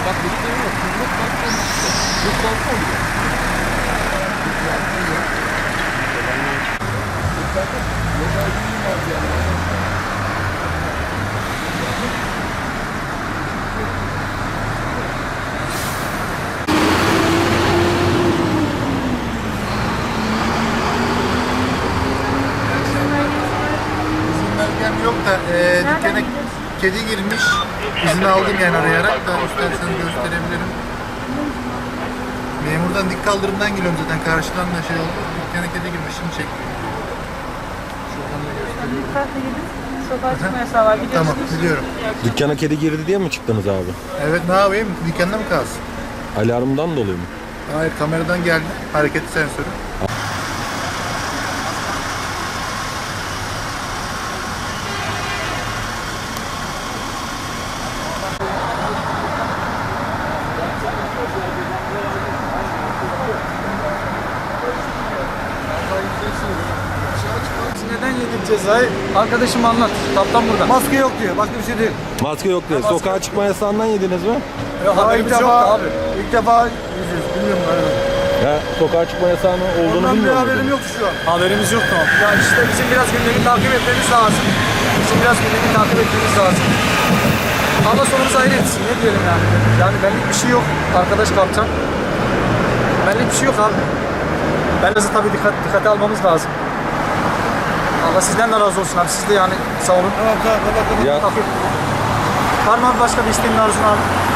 Bak bir tane yok. Kızmak balkon işte. Bu balkon oluyor. İzin belgem yok da dükkana kedi girmiş. İzin aldım yani arayarak da isterseniz gösterebilirim. Memurdan dik kaldırımdan geliyorum zaten karşıdan da şey oldu. Dükkana kedi girmiş şimdi çek. Şuradan da gösteriyorum. Dikkatli gidin. Sokağa çıkma yasağı var biliyorsunuz. Tamam biliyorum. Dükkana kedi girdi diye mi çıktınız abi? Evet ne yapayım? Dükkanda mı kalsın? Alarmdan dolayı mı? Hayır kameradan geldi. Hareketli sensörü. Neden yedik cezayı? Arkadaşım anlat. Kaptan burada. Maske yok diyor. Başka bir şey değil. Maske yok diye. Sokağa çıkma yasağından yediniz mi? Haberimiz ilk yoktu defa, abi. İlk defa yiyeceğiz. Bilmiyorum galiba. Ya sokağa çıkma yasağının olduğunu Ondan bir bilmiyor haberim muydunuz? yoktu şu an. Haberimiz yoktu ama. Yani işte bizim biraz gündemi takip etmemiz lazım. Bizim biraz gündemi takip etmemiz lazım. Allah sonumuzu hayır etsin. Ne diyelim yani? Yani benlik bir şey yok. Arkadaş kaptan. Benlik bir şey yok abi. Belki tabii dikkate almamız lazım. Allah sizden de razı olsun abi. Siz de yani sağ olun. Tamam tamam. Ya Var mı abi başka bir isteğin arzun abi?